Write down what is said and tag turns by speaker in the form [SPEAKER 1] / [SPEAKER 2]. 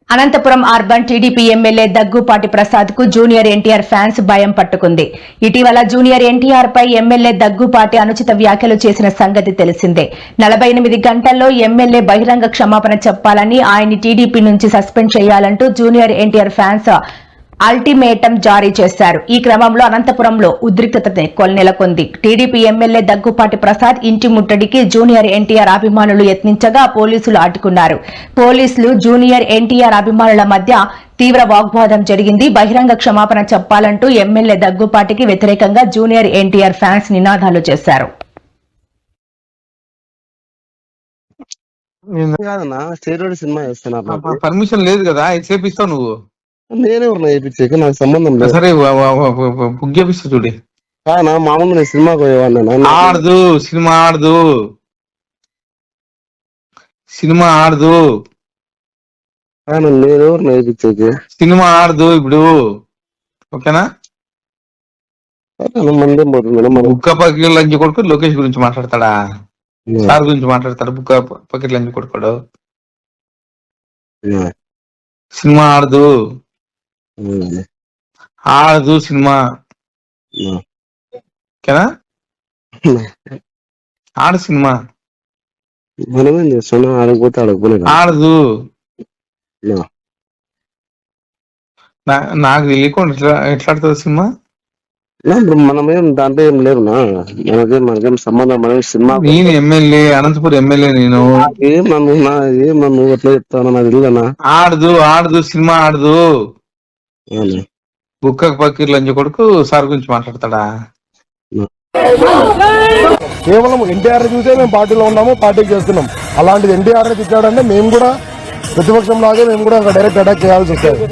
[SPEAKER 1] Anantapuram urban TDP MLA Daggupati Prasad కు junior NTR fans భయం పట్టుకుంది. ఇటీవల జూనియర్ ఎన్టీఆర్ పై ఎమ్మెల్యే దగ్గుపాటి అనుచిత వ్యాఖ్యలు చేసిన సంగతి తెలిసిందే. 48 గంటల్లో ఎమ్మెల్యే బహిరంగ క్షమాపణ చెప్పాలని, ఆయన్ని టీడీపీ నుంచి సస్పెండ్ చేయాలంటూ జూనియర్ ఎన్టీఆర్ ఫ్యాన్స్ అల్టిమేటం జారీ చేశారు. ఈ క్రమంలో అనంతపురంలో ఉద్రిక్తత నెలకొంది. టీడీపీ ఎమ్మెల్యే దగ్గుపాటి ప్రసాద్ ఇంటి ముట్టడికి జూనియర్ ఎన్టీఆర్ అభిమానులు యత్నించగా పోలీసులు అడ్డుకున్నారు. పోలీసులు జూనియర్ ఎన్టీఆర్ అభిమానుల మధ్య తీవ్ర వాగ్వాదం జరిగింది. బహిరంగ క్షమాపణ చెప్పాలంటూ ఎమ్మెల్యే దగ్గుపాటికి వ్యతిరేకంగా జూనియర్ ఎన్టీఆర్ ఫ్యాన్స్ నినాదాలు చేశారు.
[SPEAKER 2] పర్మిషన్ లేదు కదా, చేపిస్తావు నువ్వు.
[SPEAKER 3] నేనే చేయించాక నాకు సంబంధం లేదు.
[SPEAKER 2] సరే బుక్ చేపిస్తా చూడి.
[SPEAKER 3] మామూలు నేను సినిమాకి పోయేవాడిని.
[SPEAKER 2] ఆడదు సినిమా ఆడదు, సినిమా ఆడదు,
[SPEAKER 3] నేనెవరు నేర్పించేకి?
[SPEAKER 2] సినిమా ఆడదు ఇప్పుడు. ఓకేనా? బుక్క పకెట్ లంచ్ కొడుకు లోకేష్ గురించి మాట్లాడతాడా? సార్ గురించి మాట్లాడతాడు. బుక్క పకెట్ లంచ్ కొడుకోడు. సినిమా ఆడదు, ఆడదు సినిమా. ఓకేనా? ఆడు సినిమా
[SPEAKER 3] మనమేం చేస్తున్నాం? ఆడకపోతే ఆడకపోలేదు.
[SPEAKER 2] ఆడదు. నాకు తెలియకుండా ఎట్లా ఆడుతుంది సినిమా?
[SPEAKER 3] మనమేం దాంట్లో ఏం లేదు. మనకేం సంబంధం. మనం సినిమా
[SPEAKER 2] నేను ఎమ్మెల్యే, అనంతపురం ఎమ్మెల్యే. నేను
[SPEAKER 3] ఏం నన్ను ఎట్లా చెప్తాను నాకు తెలియదన్నా.
[SPEAKER 2] ఆడదు, ఆడదు సినిమా ఆడదు. బుక్క పకీర్ లంచ్ కొడుకు సార్ గురించి మాట్లాడతాడా?
[SPEAKER 4] కేవలం ఎన్టీఆర్ చూసే మేము పార్టీలో ఉన్నాము, పార్టీకి చేస్తున్నాం. అలాంటిది ఎన్టీఆర్ తిట్టాడంటే మేము కూడా ప్రతిపక్షం లాగే మేము కూడా డైరెక్ట్ అటాక్ చేయాల్సి వస్తుంది.